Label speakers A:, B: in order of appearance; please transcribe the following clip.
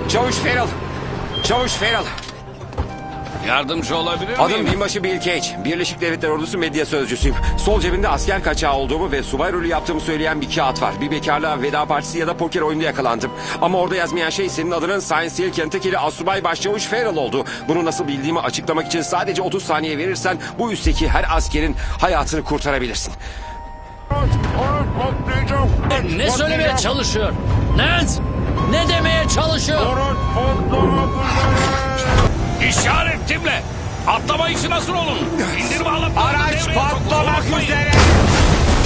A: Çavuş Feral. Çavuş Feral.
B: Yardımcı olabilir
A: Adım
B: miyim?
A: binbaşı Bill Cage. Birleşik Devletler Ordusu medya sözcüsüyüm. Sol cebimde asker kaçağı olduğumu ve subay rolü yaptığımı söyleyen bir kağıt var. Bir bekarlığa veda partisi ya da poker oyununda yakalandım. Ama orada yazmayan şey senin adının Science Hill, Kentucky'li Asubay Başçavuş Feral oldu. Bunu nasıl bildiğimi açıklamak için sadece 30 saniye verirsen bu üstteki her askerin hayatını kurtarabilirsin.
C: Ne söylemeye çalışıyor? Nance! Ne demeye çalışıyor?
B: İşaretimle. Atlama işi nasıl olur? İndirme alıp
A: Araç patlamak üzere.